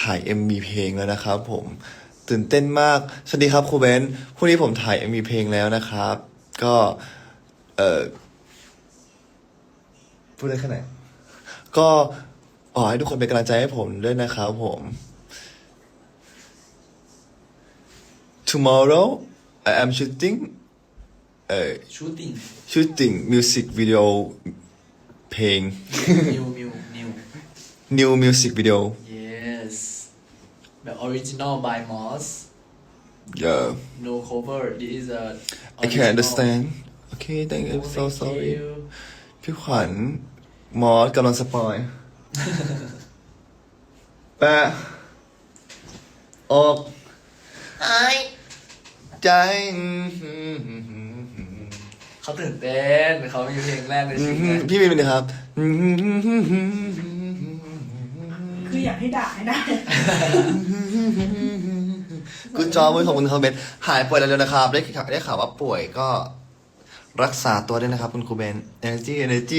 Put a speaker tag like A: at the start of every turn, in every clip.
A: ถ่าย MV เพลงแล้วนะครับผมตื่นเต้นมากสวัสดีครับครูเบนพรุ่งนี้ผมถ่าย MV เพลงแล้วนะครับ ก็เออพูดได้แค่ไหนก็ขอให้ทุกคนเป็นกำลังใจให้ผมด้วยนะครับผม Tomorrow I am shooting shooting music video เพลง new music video
B: yes แบบ original by Moss
A: yeah
B: no cover this is a
A: I can't understand okay thank you so
B: Thank
A: sorry
B: you
A: พี่ขวัญมอสกำลังสปอยแปะออกหายใจ
B: เขาตื่นเต้นเขามีเพลงแรกในชีวิต
A: พี่วินเป็นไงครับ
C: คืออยากให้ด่าให้ได้
A: กูจอมือของคุณคอมเมนต์หายป่วยเร็วๆนะครับได้ข่าวว่าป่วยก็รักษาตัวด้วยนะครับคุณครูเบน energy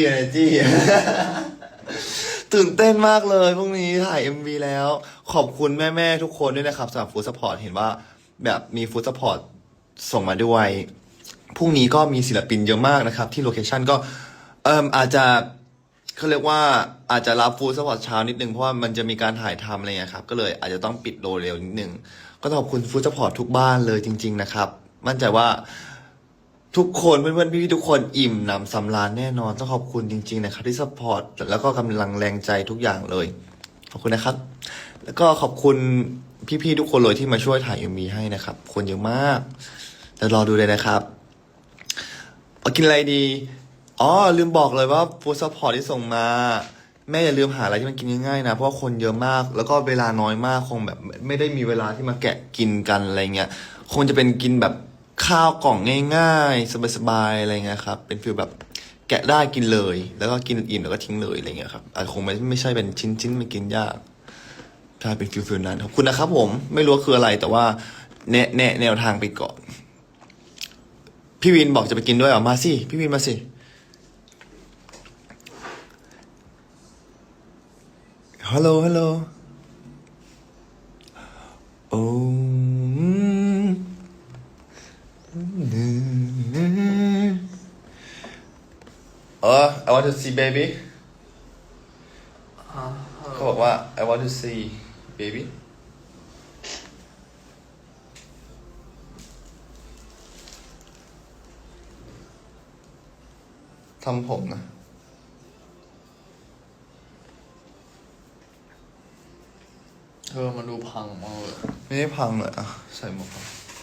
A: ตื่นเต้นมากเลยพรุ่งนี้ถ่าย MV แล้ว ขอบคุณแม่ๆทุกคนด้วยนะครับสำหรับฟู้ดซัพพอร์ตเห็นว่าแบบมีฟู้ดซัพพอร์ตส่งมาด้วยพรุ่งนี้ก็มีศิลปินเยอะมากนะครับที่โลเคชั่นก็อาจจะเขาเรียกว่าอาจจะรับฟู้ดซัพพอร์ตเช้านิดนึงเพราะว่ามันจะมีการถ่ายทำอะไรเงี้ยครับก็เลยอาจจะต้องปิดโดเร็วนิดนึงก็ต้องขอบคุณฟู้ดซัพพอร์ตทุกบ้านเลยจริงๆนะครับมั่นใจว่าทุกคนเพื่อนๆพี่ๆทุกคนอิ่มหนำสำราญแน่นอนต้องขอบคุณจริงๆนะครับที่ซัพพอร์ตแล้วก็กำลังแรงใจทุกอย่างเลยขอบคุณนะครับแล้วก็ขอบคุณพี่ๆทุกคนเลยที่มาช่วยถ่าย MV ให้นะครับคนเยอะมากแต่รอดูเลยนะครับเอากินอะไรดีอ๋อลืมบอกเลยว่าฟู้ดซัพพอร์ตที่ส่งมาแม่อย่าลืมหาอะไรที่มันกินง่ายๆนะเพราะว่าคนเยอะมากแล้วก็เวลาน้อยมากคงแบบไม่ได้มีเวลาที่มาแกะกินกันอะไรเงี้ยคงจะเป็นกินแบบข้าวกล่องง่ายๆสบายๆอะไรเงี้ยครับเป็นฟีลแบบแกะได้กินเลยแล้วก็กินอิ่มแล้วก็ทิ้งเลยอะไรเงี้ยครับอาจจะคงไม่ใช่เป็นชิ้นๆไม่กินยากถ้าเป็นฟิลนั้นขอบคุณนะครับผมไม่รู้ว่าคืออะไรแต่ว่าแนวทางไปก่อนพี่วินบอกจะไปกินด้วยเหรอมาสิพี่วินมาสิฮัลโหลโอ้I want to see baby เขาบอกว่า I want to see baby ทำผมนะ
B: มันดูพังมากเลย
A: ไม่ได้พังเลยอ่ะใส่หมวกก่อน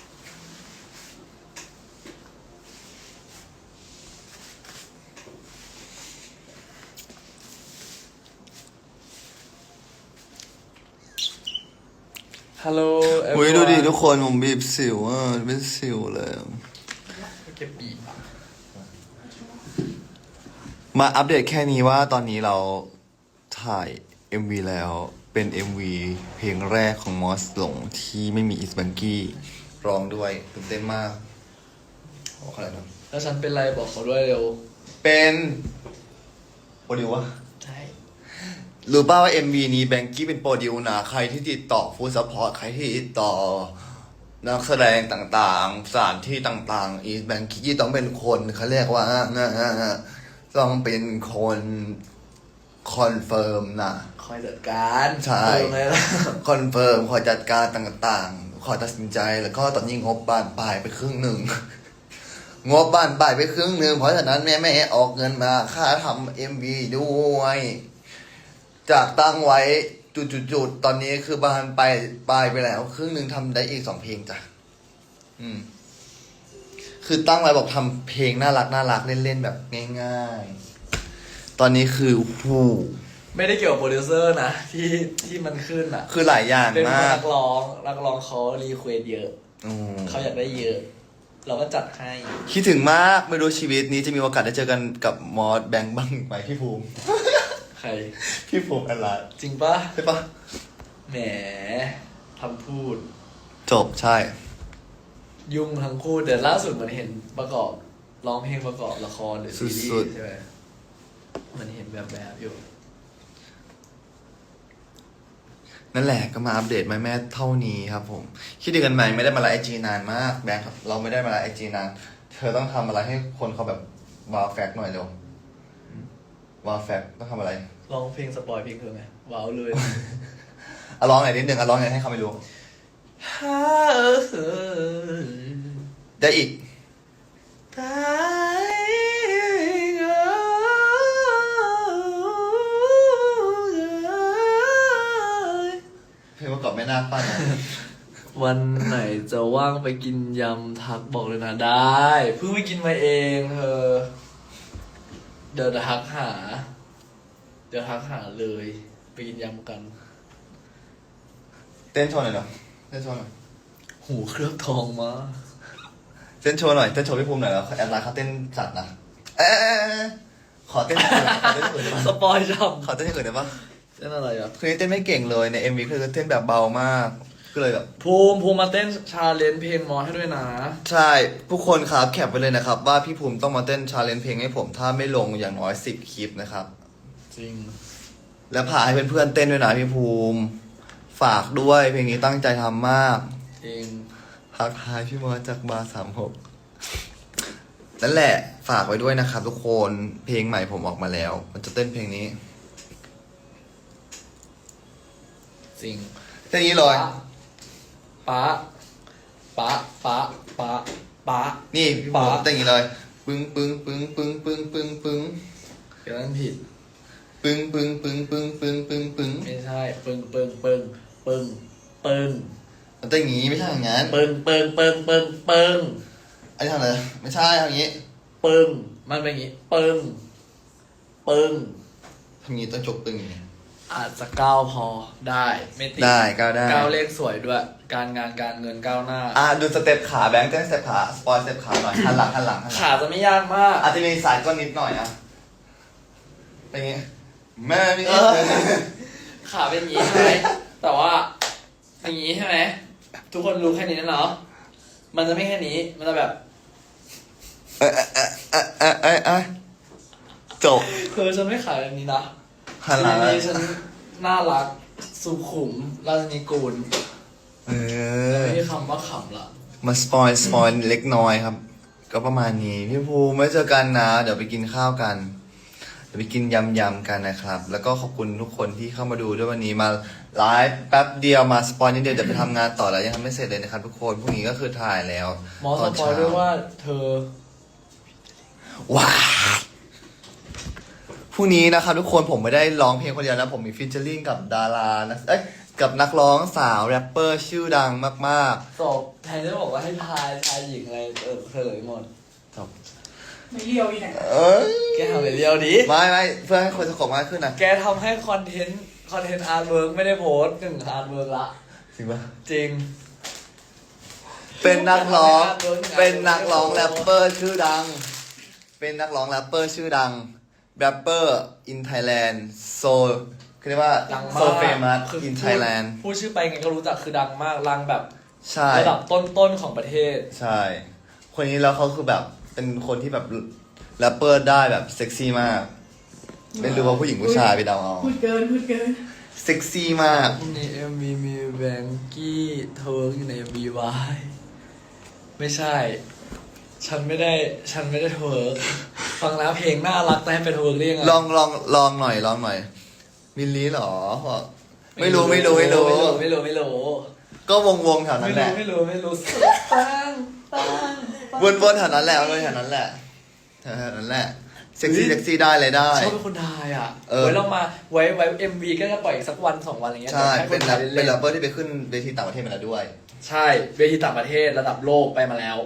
B: ฮัลโหล
A: อุ้ยดูดิทุกคนผมบีบสิวอ่ะเป็นสิวเลย
B: เก็บบีบอ่ะ
A: มาอัปเดตแค่นี้ว่าตอนนี้เราถ่าย MV แล้วเป็น MV เพลงแรกของมอสหลงที่ไม่มีอิสบังกี้ร้องด้วยตื่นเต้นมากขออะไรนะ
B: แล้วฉันเป็นไรบอกเขาด้วยเร็ว
A: เป็นโปรดิววะ
B: ใช่
A: รู้ป่าวว่า MV นี้แบงกี้เป็นโปรดิวนะใครที่ติดต่อฟู้ดซัพพอร์ตใครที่ติดต่อนักแสดงต่างๆสถานที่ต่างๆอีแบงกี้ต้องเป็นคนเขาเรียกว่าต้องเป็นคนคอนเฟิร์มนะ
B: คอยจัดการ
A: ใช่
B: ไงล่ะ
A: คอนเฟิร์มคอยจัดการต่างๆคอยตัดสินใจแล้วก็ตอนนี้งบบานปลายไปครึ่งหนึ่ง งบบานปลายไปครึ่งหนึ่งเพราะฉะนั้นแม่ออกเงินมาค่าทำ MV ด้วยจากตั้งไว้จุดๆตอนนี้คือบานปลายไปแล้วครึ่งหนึ่งทำได้อีก2 เพลงจ้ะคือตั้งไว้บอกทำเพลงน่ารักเล่นๆแบบง่ายๆตอนนี้คือ
B: ไม่ได้เกี่ยวกับโปรดิวเซอร์นะที่มันขึ้นอ่ะ
A: คือหลายอย่าง
B: เป็น
A: มาก
B: นักร้องเขารีเควสเยอะเขาอยากได้เยอะ เราก็จัดให้
A: คิดถึงมากไม่รู้ชีวิตนี้จะมีโอกาสได้เจอกันกับมอสแบงค์บ้างไหมพี่ภูมิ
B: ใคร
A: พี่ภูมิอะไร
B: จริงปะ
A: ใช่ปะ
B: แหมทำพูด
A: จบใช่
B: ยุ่งทั้งคู่แต่ล่าสุดมันเห็นประกอบร้องเพลงประกอบละครหรือซีรีส์ใช่ไหมมันเห็นแบบอยู่
A: นั่นแหละก็มาอัปเดตแม่เท่านี้ครับผมคิดดีกันไหมไม่ได้มาไลฟ์ไอจีนานมากแบงค์เราไม่ได้มาไลฟ์ไอจีนานเธอต้องทำอะไรให้คนเขาแบบว้าวแฟกหน่อยเร็วว้าวแฟกต้องทำอะไร
B: ร้องเพลงสปอยเพลงเธอไงว้าวเลย
A: อ่ะร้องหน่อยนิดนึงอ่ะร้องหน่อยให้เขาไม่รู้ได้อีกเพลงประกอบแม่นาคป้านะ
B: วันไหนจะว่างไปกินยำทักบอกเลยนะได้เพิ่งไปกินมาเองเธอ เดี๋ยวทักหา เลยไปกินยำกัน
A: เต้นโชว์หน่อยเนาะเต้นโชว์หน่อย
B: หูเคลือบทองมา
A: เต้นโชว์หน่อยเต้นโชว์พี่ภูมิหน่อยแล้วแอดไลน์เขาเต้นจัดนะเอ๊ะขอเต้นอื่นขอเต้นอื่นได้ปะ
B: สปอยช่
A: ขอเต้นอื่นได้ปะ
B: ำเต้นอะไรอ่ะ
A: คือเต้นไม่เก่งเลยใน MV คือเต้นแบบเบามากก็เลยแบบ
B: ภูมิมาเต้นชาเลนจ์เพลงมอสให้ด้วยนะ
A: ใช่ทุกคนครับแคปไปเลยนะครับว่าพี่ภูมิต้องมาเต้นชาเลนจ์เพลงให้ผมถ้าไม่ลงอย่างน้อย10 คลิปนะครับ
B: จริง
A: แล้วพาให้เพื่อนๆเต้นด้วยนะพี่ภูมิฝากด้วยเพลงนี้ตั้งใจทำมาก
B: จริง
A: ทักทายพี่มอสจากบาร์36นั่นแหละฝากไว้ด้วยนะครับทุกคนเพลงใหม่ผมออกมาแล้ว มันจะเต้นเพลงนี้
B: จริง
A: เต้นนี้เลย
B: ป๊าป๊าป๊าป๊าป๊า
A: นี่พี่ภูมิเต้นอย่างนี้เลยปึ้งปึ้งปึ้งปึ้งปึ้งปึ้งปึ้ง
B: เดี๋ยวนั้นผิด
A: ปึ้งปึ้งปึ้งปึ้งปึ้งปึ้งปึ้ง
B: ไม่ใช่ปึ้งปึ้งปึ้งปึ้งปึ้ง
A: มันเต้นอย่างนี้ไม่ใช่อย่างนั้น
B: ปึ้งปึ้งปึ้งปึ้งปึ้ง
A: อันนี้ทำอะไรไม่ใช่ทำอย่างนี้
B: ปึ้งมันเป็นอย่างนี้ปึ้งปึ้ง
A: ทำอย่างนี้ต้องจบปึ้งอย่างนี้
B: อาจจะก้าวพอได้ไม่ติด
A: ได้ก้าวได้
B: ก้าวเลขสวยด้วย การงานการเงินก้าวหน้า
A: ดูสเต็ปขาแบงค์เต้นสเต็ปขาสปอยสเต็ปขาหน่อยหันหลังหันหลังหันหลัง
B: ขาจะไม่ยากมาก
A: อาจจะมีสายก้อนนิดหน่อยอ่ะเป็นไงแม่มี
B: ขาเป็นอย่างนี้ใช่ไหมแต่ว่าอย่างนี้ใช่ไหมทุกคนรู้แค่นี้นะเนาะมันจะไม่แค่นี้มันจะแบบ
A: จบ
B: ฉันไม่ขายแบบนี้นะ
A: หันหลัง
B: ทีนี้ฉันน่ารักสุขุมราชนีกูลไม่มีคำว่าขำละ
A: มาสปอยเล็กน้อยครับ ก็ประมาณนี้พี่ภูมิไม่เจอกันนะ เดี๋ยวไปกินข้าวกัน เดี๋ยวไปกินยำกันนะครับ แล้วก็ขอบคุณทุกคนที่เข้ามาดูด้วยวันนี้มาไลฟ์แป๊บเดียวมาสปอยนิดเดียวจะไปทำงานต่อแล้วยังทำไม่เสร็จเลยนะครับทุกคนพรุ่งนี้ก็คือถ่ายแล้ว
B: หมอสปอยด้วยว่าเธอ
A: ว้าวพรุ่งนี้นะครับทุกคนผมไม่ได้ร้องเพลงคนเดียวนะผมมีฟีเจอริ่งกับดารานะกับนักร้องสาวแรปเปอร์ชื่อดังมาก
B: สอบแทนจะบอกว่าให้ทายชายหญิงอะไรเฉลยหมด
A: ๆครับ
C: ไม่เลียวอีกไหน
B: แกทำอะไรเรียวดิ
A: ไม่เพื่อให้คนสะกดมากขึ้นนะ
B: แกทำให้คอนเทนต์อาร์ตเวิร์กไม่ได้โพสต์1อาร์ตเวิร์กละ
A: จริงปะ
B: จริง
A: เป็นนักร้องแรปเปอร์ชื่อดัง เป็นนักร้องแรปเปอร์ชื่อดังแรปเปอร์ in Thailand so คือเรียกว่า
B: ดังมาก
A: so famous
B: คือ
A: in Thailand
B: พูดชื่อไปไงก็รู้จักคือดังมากรังแบบ
A: ใช่
B: ระดับต้นๆของประเทศ
A: ใช่ คนนี้แล้วเขาคือแบบเป็นคนที่แบบแรปเปอร์ได้แบบเซ็กซี่มาก ไม่รู้ว่าผู้หญิงผู้ชายไปเดาเอา
C: พูดเกิน
A: เซ็กซี่มาก
B: ใน MV มีแบงกี้เทอร์อยู่ใน MV วายไม่ใช่ ฉันไม่ได้เทอร์ฟังแล้วเพลงน่ารักแต่ให้ไปเทอร์ได้ยังไง
A: ลองหน่อยมิลลีเหรอบอกไม่รู้ ก็วงแถวนั้นแหละ
B: ไม่รู้ตั้ง
A: วนแถวนั้นแหละวนแถวนั้นแหละแถวนั้นแหละเซ็กซี่ได้เลยได้
B: ชอบเป็นคนไทยอ่ะ
A: เออ
B: ไว้เรามาไว้ MV ก็จะปล่อยอีกสักวัน2 วันอะไรเงี้ย
A: ใช่
B: ให้ค
A: เป็น
B: นไทย
A: แร
B: เล่น
A: ปเปอร์ที่ไปขึ้นเวทีต่างประเทศมาแล้วด้วย
B: ใช่เวทีต่างประเทศระดับโลกไปมาแล้ว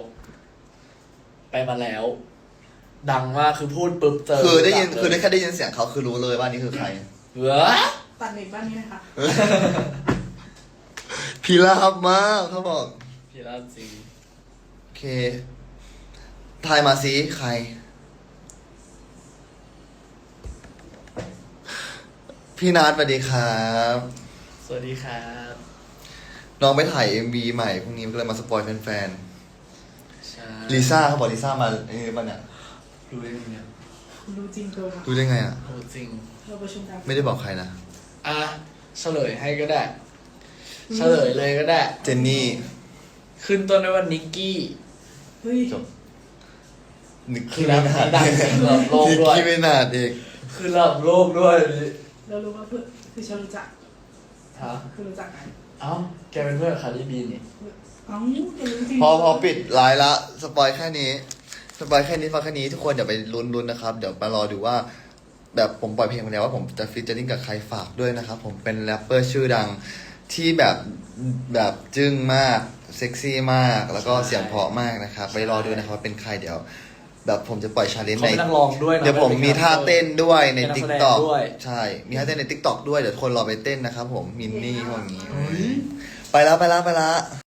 B: ดังมากคือพูดปุ๊บเจอ
A: คือได้ยิน
B: ดังเลย
A: คือได้แค่ได้ยินเสียงเขาคือรู้เลยว่านี่คือใคร
B: เหรอ
C: ตัดเด็กบ้านนี้นะคะ
A: พีราบมากเขาบอก
B: พี่ราจริง
A: โอเคทายมาสิใคร พี่นัทสวัสดีครับ
B: สวัสดีครับ
A: น้องไปถ่าย MV ใหม่พรุ่งนี้ก็เลยมาสปอยแฟน
B: ใช่
A: ๆลิซ่าเขาบอกลิซ่ามาไอ้นี่ป่ะเนี่ย
B: รู้ได้ไงเนี่ย
C: คุณรู้จริงตัวมา
A: รู้ได้ไงอ่ะ
B: รู้จริง
C: เราประชุมกัน
A: ไม่ได้บอกใครนะ
B: อ่ะเฉลยให้ก็ได้เฉลยเลยก็ได้
A: เจนนี่
B: ขึ้นต้นด้วยว่านิกกี้
C: เฮ้ย
A: จบ นิก
B: คื
A: กี้
B: อแล้ว
A: ไม่นาด
B: ดังเสียงระดับโลก
A: นิก
B: ด้วย
A: กี้ไม่นาดเอง
B: คือระดับโลกด้วย
C: เรารู้ว่าเพื่อนคือฉันรู้จัก
B: ฮะ
C: คือรู้จักกัน
B: เอ้าแกเป็นเพื่อนกับคาร์ดิบีนี่
C: เอ้าจะรู้จริง
A: พอปิดไลน์ละสปอยแค่นี้สปอยแค่นี้ฟังแค่นี้ทุกคนเดี๋ยวไปลุ้นๆนะครับ เดี๋ยวมารอดูว่า แบบผมปล่อยเพลงมาแล้วว่าผมจะฟีเจอริ่งกับใครฝากด้วยนะครับ ผมเป็นแรปเปอร์ชื่อดังที่แบบจึ้งมากเซ็กซี่มาก แล้วก็เสียงเพราะมากนะครับ ไปรอดูนะครับว่าเป็นใครเดี๋ยว แบบผมจะปล่อยชาเลนจ์
B: เขา
A: ใน
B: เป็นนักร้องด้วยนะ
A: เดี๋ยวผมมีท่าเต้นด้วยใน
B: เป็นนัก
A: ติ๊
B: แส
A: ก
B: ดง
A: ต็อก
B: ด้วย
A: ใช่ มีท่าเต้นในติ๊กต็อกด้วยเดี๋ยวคนรอไปเต้นนะครับผมมินนี่พวกนี้
B: เฮ้ย
A: ไปแล้ว